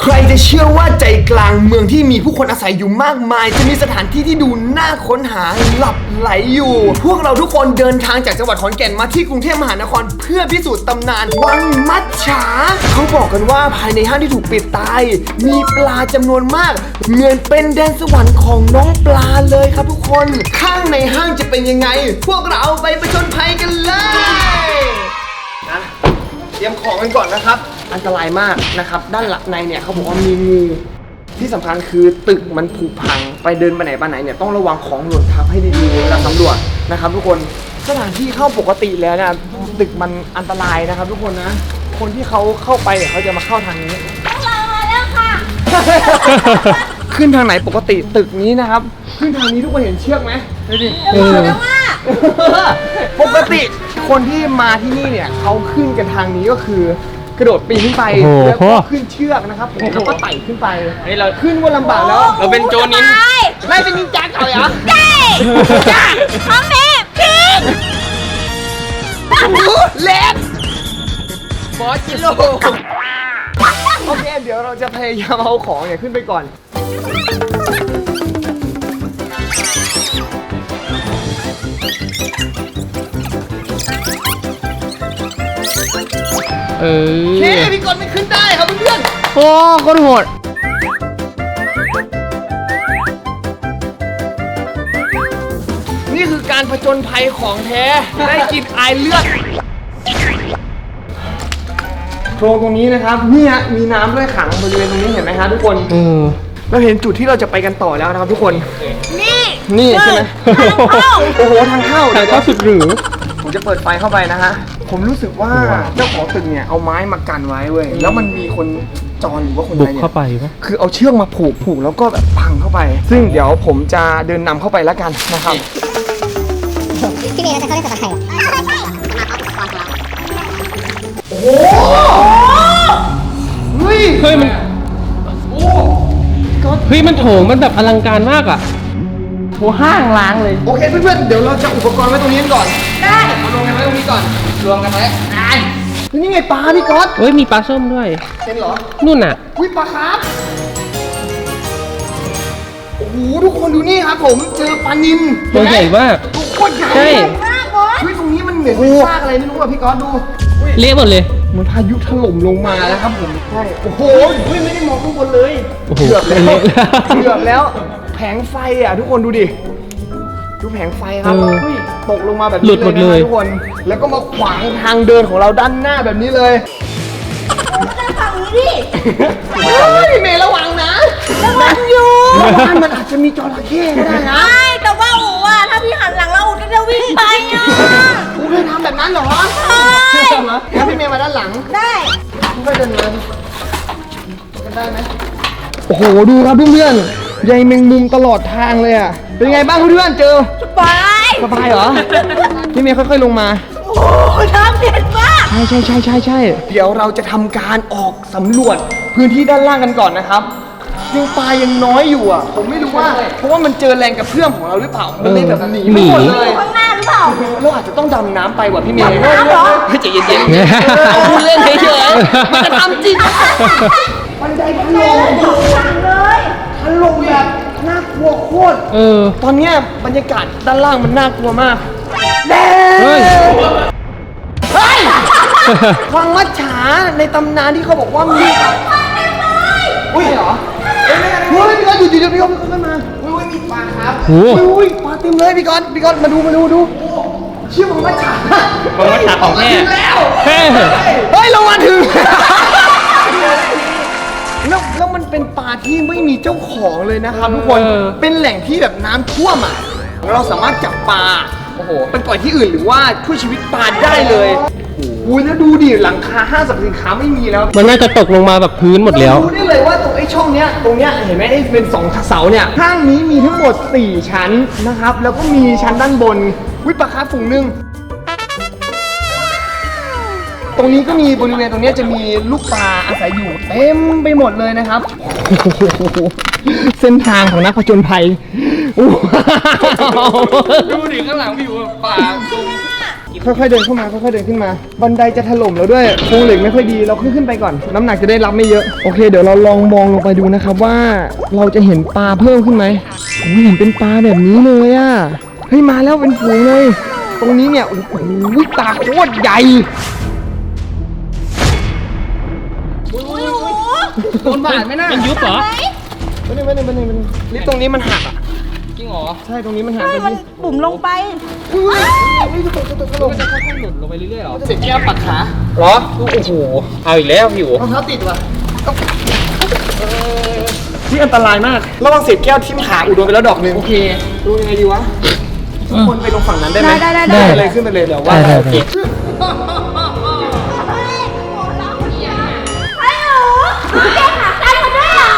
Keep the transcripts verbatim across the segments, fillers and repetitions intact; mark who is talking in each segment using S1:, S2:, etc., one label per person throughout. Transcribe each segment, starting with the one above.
S1: ใครจะเชื่อว่าใจกลางเมืองที่มีผู้คนอาศัยอยู่มากมายจะมีสถานที่ที่ดูน่าค้นหาหลับไหลอยู่ พวกเราทุกคนเดินทางจากจังหวัดขอนแก่นมาที่กรุงเทพมหานครเพื่อพิสูจน์ตำนานวังมัจฉาเขาบอกกันว่าภายในห้างที่ถูกปิดตายมีปลาจำนวนมากเหมือนเป็นแดนสวรรค์ของน้องปลาเลยครับทุกคนข้างในห้างจะเป็นยังไงพวกเราไปผจญภัยกันเลยนะเตรียมของกันก่อนนะครับอันตรายมากนะครับด้านหลังในเนี่ยเขาบอกว่ามีงูที่สำคัญคือตึกมันผุพังไปเดินไปไหนมาไหนเนี่ยต้องระวังของหล่นทับให้ดีๆเวลาสำรวจนะครับทุกคนสถานที่เข้าปกติแล้วเนี่ยตึกมันอันตรายนะครับทุกคนนะคนที่เขาเข้าไปเนี่ยเขาจะมาเข้าทางนี้
S2: เรามาแล้วค่ะ
S1: ขึ้นทางไหนปกติตึกนี้นะครับขึ้นทางนี้ทุกคนเห็นเชือกไหมดูดิ
S2: เออ
S1: ปกติคนที่มาที่นี่เนี่ยเขาขึ้นกันทางนี้ก็คือกระโดดปีนขึ้นไปแล้วก็ขึ้นเชือกนะครับแล้วก็ไต่ขึ้นไปเราขึ้นว่าลำบากแล้ว
S3: เราเป็นโจนิน
S1: ไม่เป็นนินจาเก่าเหรอ
S2: ใช่จ้าพ่อแม่พี่
S1: เล็กบอสจิโร่โอเคเดี๋ยวเราจะพยายามเอาของเนี่ยขึ้นไปก่อน
S3: เออ
S1: เคพี่กอนไม่ขึ้นได้ครับเพื่อน
S3: โอ้โคตรโหด
S1: นี่คือการผจญภัยของแท้ได้กินไอเลือดโครงตรงนี้นะครับนี่ฮะมีน้ำด้วยขังบริเวณตรงนี้เห็นไหมครับทุกคน
S3: เออ
S1: เราเห็นจุดที่เราจะไปกันต่อแล้วนะครับทุกคน
S2: นี่
S1: นี่ใช่ไหมโอ้โหทางเข้า
S3: ทางเข้าสุดหรู
S1: ผมจะเปิดไฟเข้าไปนะฮะผมรู้สึกว่าเจ้าของตึกเนี่ยเอาไม้มากันไว้เว้ยแล้วมันมีคนจรหรือว่าคนใดเนี่ย
S3: เข้าไปปะ
S1: คือเอาเชือกมาผูกผูกแล้วก็แบบพังเข้าไปซึ่งเดี๋ยวผมจะเดินนำเข้าไปแล้วกันนะครับ
S2: พี่เมย์จะเข้าเล่นกับใครอ่ะ
S1: โอ้โหเฮ้ย
S3: เฮ้ยมันโอ้เฮ้ยมันโถงมันแบบอลังการมากอ่ะโถห้างล้างเลย
S1: โอเคเพื่อนๆเดี๋ยวเราจะอุปกรณ์ไว้ตรงนี้ก่อน
S2: ได้
S1: เอาลงกันไว้ตรงนี้ก่อนรวมกันไว้นี่ไงปลาพี่ก๊อต
S3: เฮ้ยมีปลาส้มด้วย
S1: เห็นเหรอ
S3: นู่นน่ะ
S1: อุ้ยปลาครับโอ้โหทุกคนดูนี่ครับผมเจอปลานิล
S3: ตัวใหญ่มาก
S1: โคตรใหญ่
S3: ใช่
S2: มากบอส
S1: เฮ้ยตรงนี้มันเหมือนซากอะไรไม่รู้อ่ะพี่ก๊อตดู
S3: เละหมดเลย
S1: เหมือนพายุถล่มลงมาแล้วครับผมใช่โอ้โหเฮ้ยไม่ได้มองข้างบนเลยเกือบแล้วเกือบแล้วแผงไฟอ่ะทุกคนดูดิดูแผงไฟครับตกลงมาแบบนี้เลยทุกคนแล้วก็มาขวางทางเดินของเราด้านหน้าแบบนี้เลย
S2: ฝั่งนี้ดิ
S1: เฮ้ยเมย์ระวังนะ
S2: ระวังอยู่
S1: บ้านมันอาจจะมีจระเข้ก็ได้นะ
S2: ใช่แต่ว่าอู๋อ่ะถ้าพี่หันหลังแล้วอู๋จะวิ่งไปอ่ะ
S1: อู๋เคยทำแบบนั้นเหรอ
S2: ใช่
S1: แล้วพี่เมย์มาด้านหลัง
S2: ได้
S1: ก็เดินมากันได้ไหมโอ้โหดูครับเพื่อนๆใยแมงมุมตลอดทางเลยอ่ะเป็นไงบ้างเพื่อนๆเจอ
S2: สบาย
S1: สบายเหรอพี่เมย์ค่อยๆลงมา
S2: โอ้น้ำเด็ดมาก
S1: ใช่ใช่ใช่ใช่ใช่เดี๋ยวเราจะทำการออกสำรวจพื้นที่ด้านล่างกันก่อนนะครับยังปลายังน้อยอยู่อ่ะผมไม่รู้ว่าเพราะว่ามันเจอแรงกระเพื่อมของเราหรือเปล่ามันเลยแบบหนีไม่หมดเลย
S2: ข้างหน้าหรือเปล่า
S1: เราอาจจะต้องดำน้ำไปว่ะพี่เมย์
S2: ดำน้ำเหรอ
S1: ใจเย็นๆเอาพูดเล่นเฉยๆมันจะทำจริงบันไดพันลง
S2: เลย
S1: พันลงแบบน่ากลัวโคตร
S3: เออ
S1: ตอนเนี้ยบรรยากาศด้านล่างมันน่ากลัวมาก
S3: เฮ้ย
S1: เฮ้ยวังมัจฉาในตำนานที่เขาบอกว่ามีอุ้ยเหรอเฮ้ยพี่ก๊อตอยู่ดีๆพี่ก๊อตขึ้นมาอุ้ยมีปลาครับอุ้ยปลาเต็มเลยพี่ก๊อตพี่ก๊อตมาดูมาดูดูเชื่อวังมัจฉา
S3: วังมัจฉาของแม่
S1: แล้วเฮ้ยเฮ้ยลงมาถึงแล้วแล้วมันเป็นปลาที่ไม่มีเจ้าของเลยนะครับทุกคนเป็นแหล่งที่แบบน้ำท่วมอ่ะเราสามารถจับปลาโอ้โหเป็นปล่อยที่อื่นหรือว่าช่วยชีวิตปลาได้เลยอุ้ยแล้วดูดิหลังคาห้างสรรพสินค้าไม่มีแล้ว
S3: มันน่าจะตกลงมาแบบพื้นหมดแล้ว
S1: ดูได้เลยว่าตรงไอ้ช่องเนี้ยตรงเนี้ยเห็นไหมไอ้เป็นสองเสาเนี่ยห้างนี้มีทั้งหมดสี่ชั้นนะครับแล้วก็มีชั้นด้านบนวิปลาคาร์ฟฝูงนึงตรงนี้ก็มีบริเวณตรงนี้จะมีลูกปลาอาศัยอยู่เต็มไปหมดเลยนะครับเส้นทางของนักผจญภัย
S3: ดูดิข้างหลังวิวปลาตรง
S1: ค่อยๆเดินเข้ามาค่อยๆเดินขึ้นมา บันไดจะถล่มแล้วด้วยโครงเหล็กไม่ค่อยดีเราขึ้นขึ้นไปก่อนน้ำหนักจะได้รับไม่เยอะโอเคเดี๋ยวเราลองมองลงไปดูนะครับว่าเราจะเห็นปลาเพิ่มขึ้นไหมโอ้ยเห็นเป็นปลาแบบนี้เลยอ่ะเฮ้ยมาแล้วเป็นฝูงเลยตรงนี้เนี่ยโอ้โหตาโคตรใหญ่ โดนบาดไหมน่ะ
S3: มันยุบเหรอ
S1: ไม่ได้ไม่ได้ไม่ได้ไม่ได้ลิฟต์ตรงนี้มันหักอ่ะ
S3: จริงเหรอ
S1: ใช่ตรงนี้มันหัก
S2: ใช่มันบุ๋มลงไป
S1: อุ้ยอุ้ยตกตกตกตก
S3: มันจะค่อยๆหลุดลงไปเรื่อยๆเหรอ
S1: เสร็จแก้วปัดขา
S3: เหรอ โอ้โห เอาอีกแล้วพี่อู๋
S1: รองเท้าติดว่ะที่อันตรายมากระวังเศษแก้วทิ่มขาอุดโดนไปแล้วดอกหนึ่งโอเคดูยังไงดีวะทุกคนไปลงฝั่งนั้นได้ไหม
S2: ได้ได้ได้
S1: ไปเลยขึ้นไปเลยเดี๋ยวว่าโอเค
S2: ไอ้หนูแกขาสั้นมาด้วยเหรอ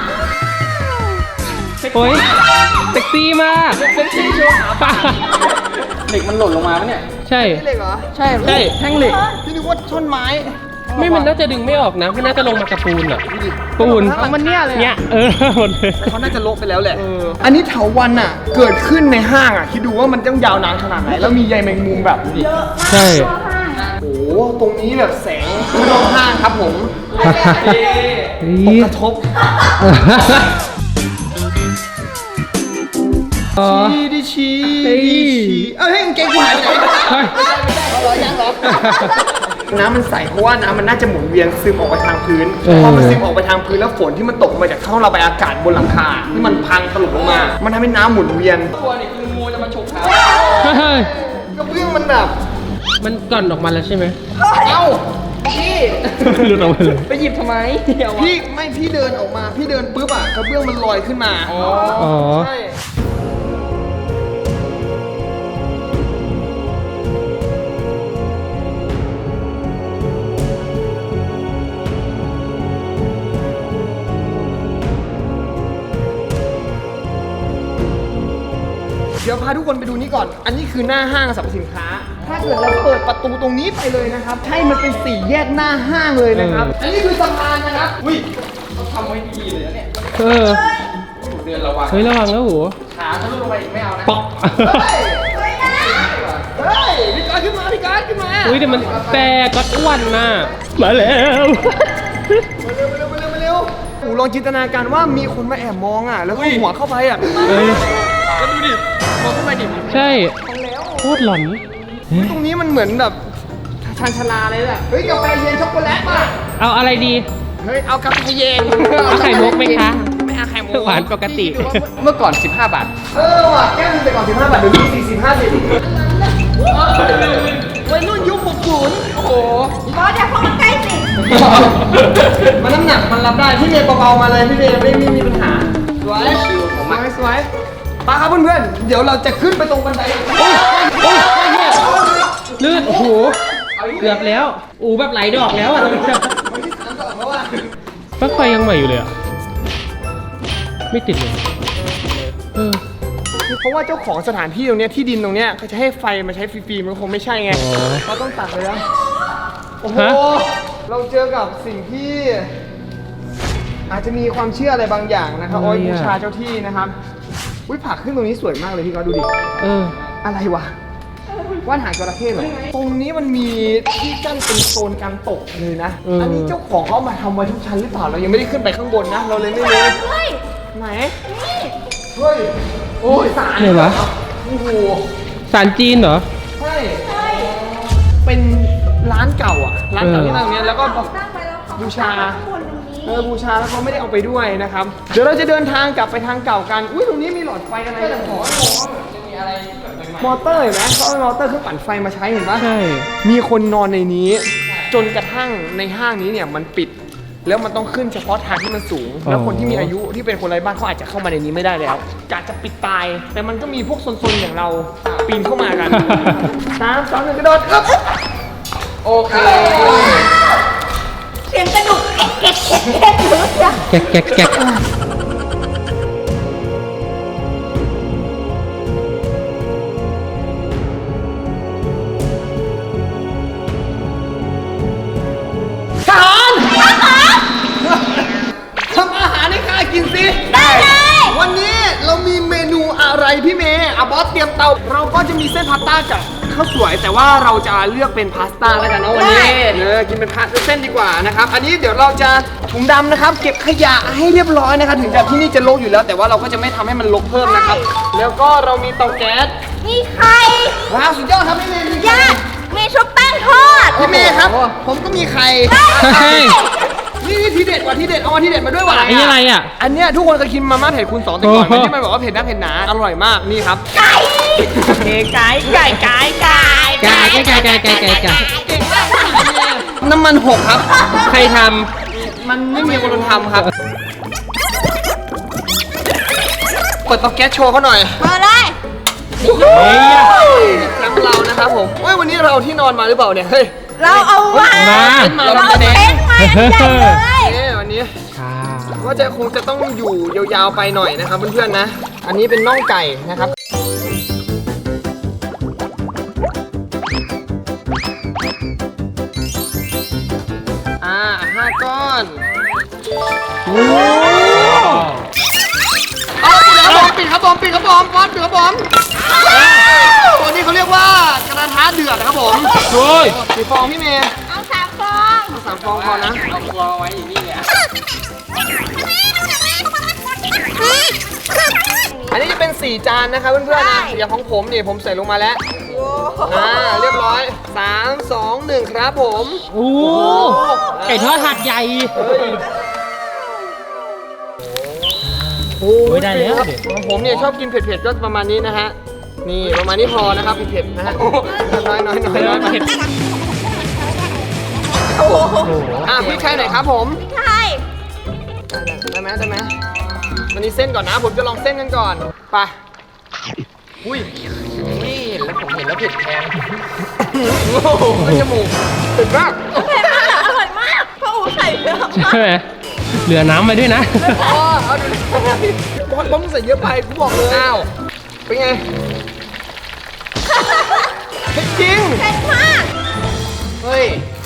S3: โอ้ยเซ็กซี่มาก
S1: เซ็กซี่โชว์ขาป่าเหล็กมันหล่นลงมาปะเนี่ย
S3: ใช่
S1: เหล็กเหรอใช่
S3: ใช่
S1: แท่งเหล็กพี่นึกว่าท่อนไม้
S3: ไม่มันน่าจะดึงไม่ออกนะไม่น่าจะลงมากับปูนอ่ะ ปูน
S1: มันเนี่ยเลย
S3: เนี่ยเออหมดเลย
S1: เขาน่าจะโละไปแล้วแหละอันนี้เถาวัลย์อ่ะเกิดขึ้นในห้างอ่ะคิดดูว่ามันต้องยาวนานขนาดไหนแล้วมีใยแมงมุมแบบนี้
S3: ใช่
S1: โอ้โหตรงนี้แบบแสงข้างนอกห้างครับผมตกกระทบ
S3: อ๋อ
S1: ชีดิชี
S3: เฮ้ย
S1: ดิชีเอ้ยกางเกงกูหายไปไหน
S3: เฮ้ย
S1: เอาเหรอยังเหรอน้ำมันใสเพราะว่าน้ำมันน่าจะหมุนเวียนซึมออกไปทางพื้น
S3: เออ
S1: พอมันซึมออกไปทางพื้นแล้วฝนที่มันตกมาจากข้างเราไปอากาศบนหลังคาที่มันพังถล่มลงมา มันทำให้น้ำหมุนเวียนตัวนี่คืองูจะมาฉกขา
S3: เฮ้ย
S1: กระเบื้องมันแบบ
S3: มันก่อนออกมาแล้วใช่ไหม
S1: เอ้าพี่
S3: หลุดออกมาเลย
S1: ไปหยิบทำไมพี่ไม่พี่เดินออกมาพี่เดินปุ๊บอะกระเบื้องมันลอยขึ้นมาอ๋อ
S3: อ๋อ
S1: ใช่ เดี๋ยวพาทุกคนไปดูนี่ก่อน อันนี้คือหน้าห้างสรรพสินค้า ถ้าเกิดเราเปิดประตูตรงนี้ไปเลยนะครับ ให้มันเป็นสี่แยกหน้าห้างเลยนะครับ อันนี้คือสะพานนะครับอุ้ยเขาทำไว้ดีเลยนะเนี่ย
S3: เออ
S1: เดือนระวัง
S3: เฮ้ยระวังแล้วหัว
S1: ขาทะลุลงไปอีกไม่เอานะ
S3: ป๊อก
S1: เฮ้ยเฮ้ยพี่การดขึ้นมาพี่การดขึ้นมา
S3: อุ้ยแต่มันแต่ก็อ้วนน่ะมาแล้ว
S1: มาเร็วมาเร็วมาเร็วมาเร็วโอ้ลองจินตนาการว่ามีคนมาแอบมองอ่ะ แล้วก็หัวเข้าไปอ่ะ
S3: เอ้ย
S1: แล้วดูดิ มองเข้าไปดิ
S3: ใช่โคตรหลอน
S1: ตรงนี้มันเหมือนแบบชานชาลาเลยแหละ เฮ้ยกาแฟเย็นช็อกโกแลตป่ะ
S3: เอาอะไรดี
S1: เฮ้ยเอากาแฟเย็น
S3: เอาไข่มุกไหมคะ
S1: ไม่เอาไข่มุก
S3: หวานปกติ
S1: เมื่อก่อนสิบห้าบาท เออว่ะแก้วนึงแต่ก่อนสิบห้าบาทเดี๋ยวนี้สี่สิบห้าสิบวัยรุ่นยุคหกสิบโอ้โห
S2: บอสอย่าเข้ามาใกล้สิ
S1: มันน้ำหนักมันรับได้พี่เมย์เบาๆมาเลยพี่เมย์ไม่ไม่มีปัญหาสวยสวยสวยมาครับเพื่อนๆเดี๋ยวเราจะขึ้นไปตรงบันไดโอ้ยโอ้ยโอ้ยเนี่ย
S3: ลื่นโอ้โห เกือบแล้ว อูแบบไหลดอกแล้วอ่ะ
S1: มันที่สามดอกแล้วอ่ะ
S3: ปลั๊กไฟยังใหม่อยู่เลยอ่ะ ไม่ติดเลยเออ
S1: คือเพราะว่าเจ้าของสถานที่ตรงเนี้ยที่ดินตรงเนี้ยเขาจะให้ไฟมาใช้ฟรีๆมันคงไม่ใช่ไง
S3: อ๋อ
S1: เราต้องตัดเลยแล้วโอ้โห
S3: ฮะ
S1: เราเจอกับสิ่งที่ อาจจะมีความเชื่ออะไรบางอย่างนะครับโอ้ยบูชาเจ้าที่นะครับอุ้ยผักขึ้นตรงนี้สวยมากเลยพี่ก็ดูดิ
S3: เออ
S1: อะไรวะว่านหางจระเข้เหรอ ตรงนี้มันมีที่กั้นเป็นโซนการตกเลยนะ
S3: เอออั
S1: อันนี้เจ้าของเขามาทำไว้ทุกชั้นหรือเปล่า เรายังไม่ได้ขึ้นไปข้างบนนะ เราเลยไม่รู้
S2: เฮ้ย
S1: ไหน เฮ้ย โอ้ยสาร
S3: ไหนวะ
S1: โอ้โห
S3: สารจีนเหรอ
S1: ใช่ เป็นร้านเก่าอ่ะ ร้านเก่า
S3: เออ
S1: ที่นั่งเนี้ยแล้วก็
S2: นั่งไปแล้วเขา
S1: บูชา
S2: คนตรงนี้
S1: เออบูชาแล้วเขาไม่ได้เอาไปด้วยนะครับ เดี๋ยวเราจะเดินทางกลับไปทางเก่ากัน อุ้ยตรงนี้มีหลอดไฟอะไรแต่ขอจะมีอะไรที่แบบมอเตอร์เห็นไหมเขาเอามอเตอร์เครื่องปั่นไฟมาใช้เห็นปะ
S3: ใช่
S1: มีคนนอนในนี้ จนกระทั่งในห้างนี้เนี่ยมันปิด แล้วมันต้องขึ้นเฉพาะทางที่มันสูง แล้วคนที่มีอายุที่เป็นคนไร้บ้านเขาอาจจะเข้ามาในนี้ไม่ได้แล้วกะจะปิดตาย แต่มันก็มีพวกซนๆอย่างเราปีนเข้ามากันสามสองหนึ่งกระโดดอึ๊บโอเค
S2: เสียงกระดูกแก๊กแก๊กแก๊กแก๊กเลยอะ
S3: แก๊กแก๊กแก๊ก
S1: ทหารทำอาหารให้ข้ากินสิ
S2: ได้เลย
S1: วันนี้เรามีเมนูอะไรพี่เมย์อาบอสเตรียมเตา เราก็จะมีเส้นพาสต้ากับข้าวสวยแต่ว่าเราจะเลือกเป็นพาสต้าแล้วกันเนาะวันนี้เออกินเป็นพาสต้าเส้นดีกว่านะครับอันนี้เดี๋ยวเราจะถุงดำนะครับเก็บขยะให้เรียบร้อยนะครับถึงจะที่นี่จะรกอยู่แล้วแต่ว่าเราก็จะไม่ทำให้มันรกเพิ่มนะครับแล้วก็เรามีเตาแก๊ส
S2: มีไข่
S1: ว้าวสุดยอดครับพี่เมย์
S2: ญาติมีชุบแป้งทอด
S1: พี่เมย์ครับผมก็มีไข่
S3: เฮ้ย
S1: นี่ทีเด็ดกว่าทีเด็ดเอามาทีเด็ดมาด้วยว่ะ
S3: อันนี้อะไรอ่ะ
S1: อันเนี้ยทุกคนเคยกินมาม่าเผ็ดคูณสองแต่ก่อนไหม
S3: โอ้โห
S1: ที่มันบอกว่าเผ็ดนักเผ็ดหนาอร่อยมากนี่ครับ
S2: ไก่ไก่ไก่ไก่ไก่
S3: ไก่ไก่ไก่ไก่ไก่ไก่ไก่
S1: น้ำมันหกครับ
S3: ใครท
S1: มันไม่มีคนทำครับเปิดเตาแก๊สโชว์เขาหน่อย
S2: มาเลย
S3: ำเฮ้ย
S1: แคมป์เรานะครับผมเฮ้ยวันนี้เราเอาที่นอนมาหรือเปล่าเนี่ยเฮ้ย
S2: เราเอามา
S3: มา
S2: เราเอาเต็นท์มาใหญ่เลย
S1: เอ๊ะวันนี้
S3: ค่ะ
S1: ก็จะคงจะต้องอยู่ยาวๆไปหน่อยนะครับเพื่อนๆนะ อันนี้เป็นน่องไก่นะครับอ่าห้าก้อนโอ้เอาปิดครับผมปิดครับผมปิดครับผมฟอสปิดครับผมตัวนี้เขาเรียกว่ากระทะเดือดนะครับผม
S3: โอ้ย
S1: กี่ฟองพี่เมย์
S2: เอาสามฟอง
S1: เอาสามฟองพอนะ อันนี้จะเป็นสี่จานนะครับเพื่อนๆนะอย่างของผมเนี่ยผมใส่ลงมาแล้ว อ่าเรียบร้อยสามสองหนึ่งครับผม
S3: โอ้ไก่ทอดหัดใหญ่
S1: โอ้
S3: โอ้ยได้แล้ว
S1: ครับของผมเนี่ยชอบกินเผ็ดๆก็ประมาณนี้นะฮะนี่ประมาณนี้พอนะครับเผ็ดๆนะฮะโอ้น้อยน้อยน้อยน้อย
S3: เผ็ด
S1: อ่ะพริกไทยหน่อยครับผม
S2: ใช่
S1: ได้ไหมได้ไหมวันนี้เส้นก่อนนะผมจะลองเส้นกันก่อนไปอุ้ยนี่เห็นแล้วผมเห็นแล้วเผ็ดแทนโอ้โหจมูกเผ็ดมาก
S2: เผ็ดมากอร่อยมากเพราะอูใส่เยอะมาก
S3: ใช่ไหมเหลือน้ำมาด้วยนะ
S1: อ๋อเอาดูดิบอลบอลมึงใส่เยอะไปกูบอกเลยอ้าวเป็นไงเผ็ดจริง
S2: เผ็ดมาก
S1: เฮ้ย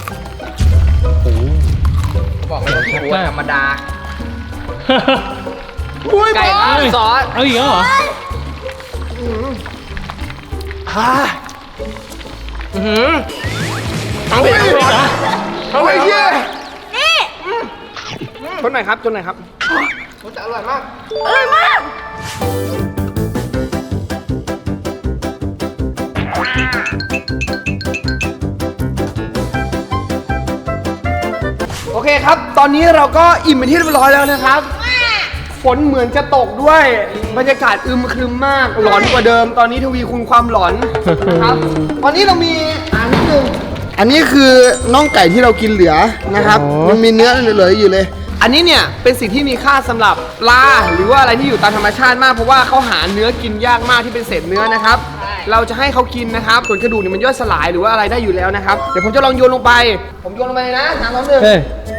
S1: บอกเลยพี่หัวธรรมดาอุ้ย
S3: ไก่
S1: บอลซอส
S3: เอาอีกแล้วเหรอ
S1: ฮ่า
S3: อือหือ
S1: ทั้งเผ็ดทั้งร้อนทั้งเผ็ดเยอะ
S2: นี่
S1: ชนไหนครับชนไหนครับมันจะอร่อยมาก
S2: อร่อยมาก
S1: โอเคครับ ตอนนี้เราก็อิ่มเป็นที่เรียบร้อยแล้วนะครับ ฝนเหมือนจะตกด้วย บรรยากาศอึมครึมมาก หลอนกว่าเดิม ตอนนี้ทวีคูณความหลอนนะครับ วันนี้เรามีอันนิดนึง อันนี้คือน่องไก่ที่เรากินเหลือนะครับ
S3: อ๋อ
S1: ยังมีเนื้อเหลือๆอยู่เลย อันนี้เนี่ยเป็นสิ่งที่มีค่าสำหรับปลาหรือว่าอะไรที่อยู่ตามธรรมชาติมาก เพราะว่าเขาหาเนื้อกินยากมากที่เป็นเศษเนื้อนะครับ เราจะให้เขากินนะครับ ส่วนกระดูกเนี่ยมันย่อยสลายหรือว่าอะไรได้อยู่แล้วนะครับ เดี๋ยวผมจะลองโยนลงไป ผมโยนลงไปเลยนะสามสองหนึ่ง
S3: เฮ้ย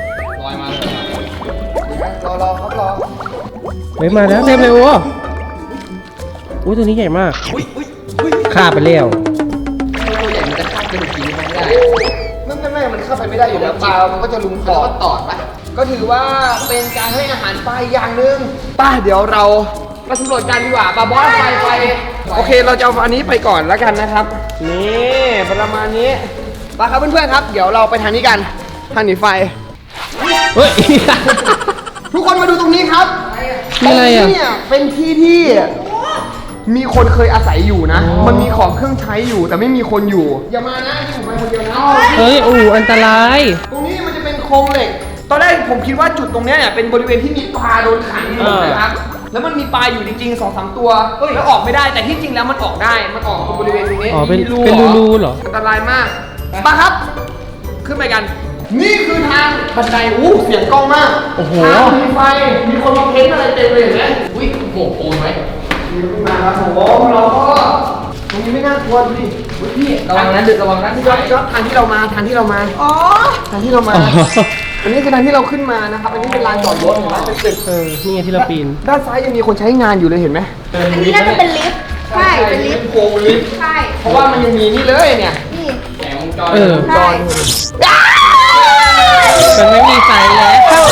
S1: รอรอครับรอ
S3: เฮ้ยมาแล้วเต็มเลยโอ้อุ้ยตัวนี้ใหญ่มากฆ่าไปแล้ว
S1: ตัวใหญ่มันจะคาบกระดูกกินไม่ได้ไม่ไม่ไม่มันเข้าไปไม่ได้อยู่แล้วปลา มันก็จะลุมคอตอดปะก็ถือว่าเป็นการให้อาหารปลาอย่างหนึ่งป้าเดี๋ยวเรามาสำรวจกันดีกว่าปลาบอสไปไปโอเคเราจะเอาอันนี้ไปก่อนแล้วกันนะครับ นี่ประมาณนี้ไปครับเพื่อนๆครับ เดี๋ยวเราไปทางนี้กันทางหนีไฟ
S3: เฮ้ย
S1: ทุกคนมาดูตรงนี้ครับ
S3: มีอะไรอ่ะ
S1: ตรงนี้เนี่ยเป็นที่ที่มีคนเคยอาศัยอยู่นะ มันมีของเครื่องใช้อยู่แต่ไม่มีคนอยู่ อย่ามานะที่ผมไปคนเดียวนะ
S3: เฮ้ยอู่อันตราย
S1: ตรงนี้มันจะเป็นโครงเหล็ก ตอนแรกผมคิดว่าจุดตรงเนี้ยเนี่ยเป็นบริเวณที่มีปลาโดนขังอยู่นะครับ แล้วมันมีปลาอยู่จริงๆสองสามตัว แล้วออกไม่ได้ แต่ที่จริงแล้วมันออกได้ มันออกตรงบริเวณตรงนี้
S3: อ๋อเป็น
S1: มีรู
S3: เป็นรูๆเหรอ
S1: อันตรายมากไปครับ ขึ้นไปกัน นี่คือทางบันไดอู้เสียงกล้องมาก
S3: โอ้โห
S1: ทางมีไฟ มีคนมาเพ้นท์อะไรเต็มเลยเห็นไหมอุ้ยโอ้โหโอนไหมมีขึ้นมาครับผมเราก็ตรงนี้ไม่น่ากลัวดูดิอุ๊ยพี่ระวังนะดึกระวังนะพี่จ๊อบจ๊อบทางที่เรามาทางที่เรามา
S2: อ๋อ
S1: ทางที่เรามา
S3: อ๋อ
S1: อันนี้คือทางที่เราขึ้นมานะครับ อันนี้เป็นลานจอดรถเห็นไหมเป็นตึก
S3: เออ นี่ไงที่เราปีน
S1: ด้านซ้ายยังมีคนใช้งานอยู่เลยเห็นไหม
S2: อันนี้น่าจะเป็นลิฟต์ ใช่ เป็นลิฟต์
S1: โค้งลิฟต์
S2: ใช่
S1: เพราะว่ามันยังมีนี่เลยเนี่ย
S2: นี่
S3: เออ
S2: ใช่
S3: มันไม่มีไฟแล้ว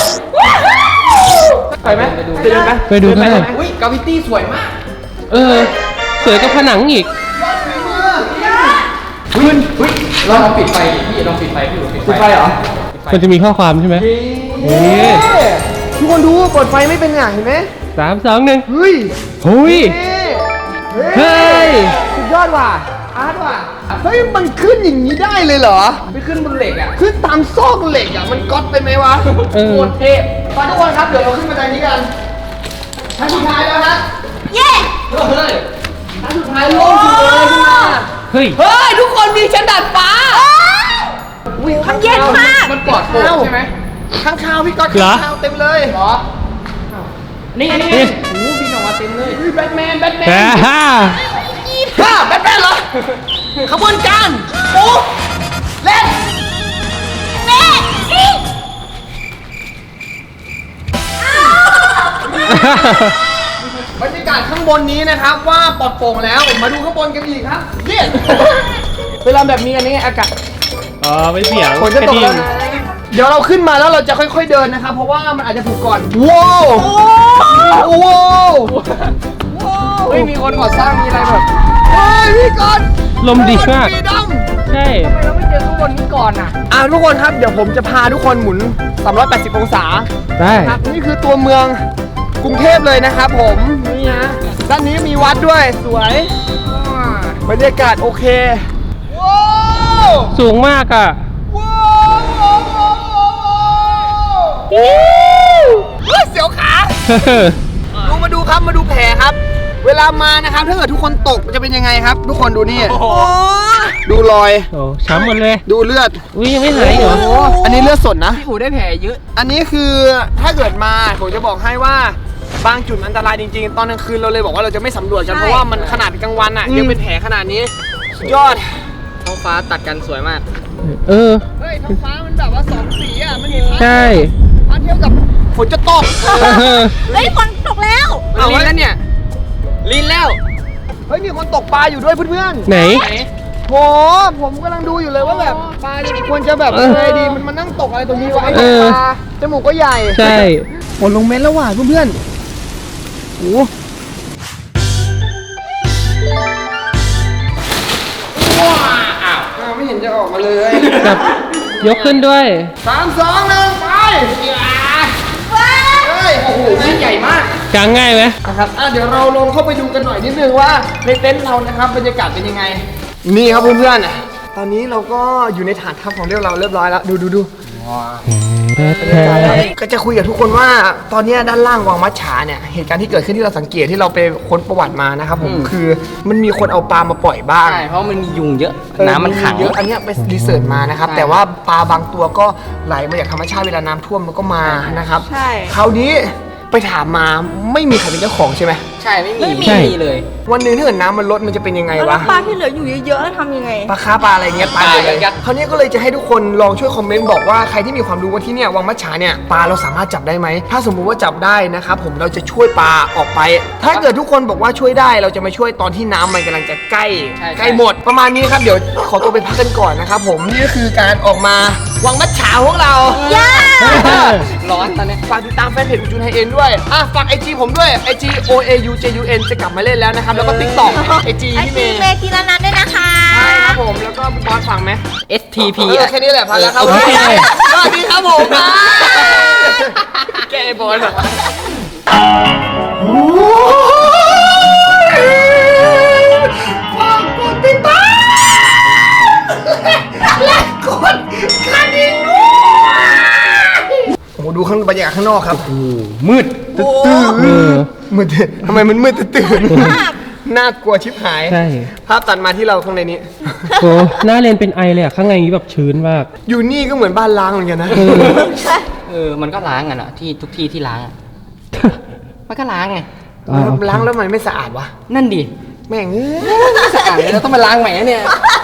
S1: ไปไหมไปดูไหม
S3: ไปดูข้างใน
S1: อุ้ยกราฟิตี้สวยมาก
S3: เออ สวยกับผนังอีก
S1: ยอดฝีมือขึ้นเฮ้ย
S3: ลองปิดไฟพี่ลองปิดไฟพี่ปิด
S1: ปิดไฟเหรอ
S3: มันจะมีข้อความใช่ไหม
S1: เฮ้ยทุกคนดูเปิดไฟไม่เป็นไงเห็นไหม
S3: สามสองหนึ่ง
S1: เฮ้ย
S3: หุย
S1: เฮ้
S3: เฮ้ย
S1: สุดยอดว่ะอาร์ตว่ะเฮ้ยมันขึ้นอย่างนี้ได้เลยเหรอ
S3: ไม่ขึ้นบนเหล็กอ่ะ
S1: ขึ้นตามซอกเหล็กอ่ะมันก๊อตไปไหมวะ
S3: เออ
S1: โคตรเทพมาทุกคนครับเดี๋ยวเราขึ้นบันไดนี้กันชั้นสุดท้ายแล้วฮะ
S2: เย้
S1: เฮ้ยชั้นสุดท้ายโล่งสุดเลยขึ้นมา
S3: เฮ้ย
S1: เฮ้ยทุกคนมีชั้นดาดฟ้า
S2: มันเย็นมาก
S3: มันปลอดโปร่งใช่ไหม
S1: ข้างคาวพี่ก๊อต
S3: เหรอ
S1: ข้างคาวเต็มเลยเหรอ
S3: นี่นี่
S1: โอ้บินออกมาเต็มเลยแบทแมนแบทแมน
S3: ฮ่า
S1: ฮ่าแบทแมนเหรอขบวนการโอ้เล่น
S2: แม่อีก
S1: บรรยากาศข้างบนนี้นะครับว่าปลอดโปร่งแล้วมาดูข้างบนกันอีกครับเย้เวลาแบบนี้อันนี้อากาศ
S3: อ๋อไม่เสียง
S1: ฝนจะตกแล้วนะเดี๋ยวเราขึ้นมาแล้วเราจะค่อยๆเดินนะครับเพราะว่ามันอาจจะผูกก่อนว้าวว้าวเฮ้ยมีคนก่อสร้างมีอะไรแบบเฮ้ยพี่ก่อน
S3: ลมดีมาก
S1: มีดำ
S3: ใช่
S1: ทำไมเราไม่เจอข้างบนนี้ก่อนอ่ะอ่ะทุกคนครับเดี๋ยวผมจะพาทุกคนหมุนสามร้อยแปดสิบองศา
S3: ได้
S1: ครับนี่คือตัวเมืองกรุงเทพเลยนะครับผมนี่ฮะด้านนี้มีวัดด้วยสวยบรรยากาศโอเคว้าว
S3: สูงมากอ่ะ
S1: ว้าวว้าวว้าวว้าวเฮ้ยเสียวขาดูมาดูครับมาดูแผลครับ เวลามานะครับถ้าเกิดทุกคนตกจะเป็นยังไงครับ ทุกคนดูนี่ดูรอย
S3: โอ้ช้ำหมดเลย
S1: ดูเลือด
S3: อุ้ยยังไม่หายเหรอ
S1: อันนี้เลือดสดนะ
S4: พี่อู๋ได้แผลเยอะ
S1: อันนี้คือถ้าเกิดมาผมจะบอกให้ว่าบางจุดอันตรายจริงๆ ตอนกลางคืนเราเลยบอกว่าเราจะไม่สำรวจกันเพราะว่ามันขนาดกลางวันอ่ะยังเป็นแผลขนาดนี้สุดยอด
S4: ท้องฟ้าตัดกันสวยมาก
S3: เออ
S1: เฮ้ยท้องฟ้ามันแบบว่าสองสีอ่ะมันมีฟ้า
S3: ใช่
S1: ฟ้าเทียบกับฝนจะตก
S3: เออ
S2: เฮ้ยฝนตกแล้ว
S1: เอา
S4: ลิน
S1: ไว้
S4: แล้วเนี่ย ลินแล้ว
S1: เฮ้ยมีคนตกปลาอยู่ด้วยเพื่อน
S3: ไหน
S1: ๆโหผมกำลังดูอยู่เลยว่าแบบปลาเนี่ยควรจะแบบ
S3: เออ
S1: อะไรดีมันมานั่งตกอะไรตรงนี้วะไอ้
S3: เออ
S1: ปลาจมูกก็ใหญ่
S3: ใช่
S1: ฝนลงเม็ดแล้วว่ะเพื่อนๆโอ้อ้าวไม่เห็นจะออกมาเลย
S3: แบบยกขึ้นด้วย
S1: สามสองหนึ่งไปเฮ้ยโอ้โหแม่งใหญ่มาก
S3: กางง่ายไหม
S1: นะครับอ่ะเดี๋ยวเราลงเข้าไปดูกันหน่อยนิดนึงว่าในเต็นท์เรานะครับบรรยากาศเป็นยังไง นี่ครับเพื่อนๆตอนนี้เราก็อยู่ในฐานทัพของเรียบเราเรียบร้อยแล้วดูดูดูก็จะคุยกับทุกคนว่าตอนเนี้ยด้านล่างวังมัจฉาเนี่ยเหตุการณ์ที่เกิดขึ้นที่เราสังเกตที่เราไปค้นประวัติมานะครับผมคือมันมีคนเอาปลามาปล่อยบ้าง
S4: ใช่ เพราะมันมียุงเยอะ
S1: เออ
S4: น้ำมันขัง
S1: เยอะอันเนี้ยไปรีเสิร์ชมานะครับ
S4: ใช่
S1: แต่ว่าปลาบางตัวก็ไหลมาจากธรรมชาติเวลาน้ำท่วมมันก็มานะครับ
S2: ใช่
S1: คราวนี้ไปถามมาไม่มีใครเป็นเจ้าของใช่ไหม
S4: ใช่ไม่มี
S2: ไม่มี
S4: ไม่มีเลย
S1: วันหนึ่งถ้าเกิดน้ำมันลดมันจะเป็นยังไง
S2: แล้ว
S1: วะ
S2: ปลาที่เหลืออยู่เยอะๆแล้วทำยังไง
S1: ปลาคาปลาอะไรเงี้ยตายหมดเลย
S4: ยักษ์
S1: คราวนี้ก็เลยจะให้ทุกคนลองช่วยคอมเมนต์บอกว่าใครที่มีความรู้ว่าที่เนี่ยวังมัจฉาเนี่ยปลาเราสามารถจับได้ไหมถ้าสมมุติว่าจับได้นะครับผมเราจะช่วยปลาออกไป ถ้าเกิดทุกคนบอกว่าช่วยได้เราจะมาช่วยตอนที่น้ำมันกำลังจะใกล้
S4: ใช่
S1: ใกล้หมดประมาณนี้ครับเดี๋ยวขอตัวไปพักกันก่อนนะครับผมนี่ก็คือการออกมาวังมัจฉาของเรา
S2: ย่า
S4: ร้อนตอนเนี้ย
S1: ฝากติดตามแฟนเพจของจูนไฮเอ็นด้วยอ่ะฝากไอจีผมด้วยไอจี O A U J U N จะกลับมาเล่นแล้วนะครับแล้วก็ติ๊กต็อกไอจี
S2: ไอ
S1: พี่เม
S2: จี
S1: ย์
S2: เมทีละนันด้วยนะคะ
S1: ใช่ครับผมแล้วก็บอสฟังไหม
S4: เอส ที พี
S1: เออแค่นี้แหละพักแล้วครับ
S4: โอเค
S1: สวัสดีครับผมแกไอ้บอลแบบฝากกดติดตามและกดกระดิ่งด้วยโอ้โหดูข้างบรรยากาศข้างนอกครับ
S3: มืดตื่นเออ
S1: มืดทำไมมันมืดตื่นน่ากลัวชิบหาย
S3: ใช่
S1: ภาพตัดมาที่เราข้างในนี้
S3: โอ้หน้าเลนเป็นไอเลยอะข้างในนี้แบบชื้นมาก
S1: อยู่นี่ก็เหมือนบ้านล้างเหมือนกันนะ
S2: ใช่
S4: เออ มันก็ล้างกันอะที่ทุกที่ที่ล้างอะมันก็ล้างไง
S3: อ่าโอเค
S1: ล้างแล้วมันไม่สะอาดวะ
S4: นั่นดิ
S1: แม่งเอ้ย
S4: สะอาดเลยเราต้องมาล้างใหม่นะเนี่ย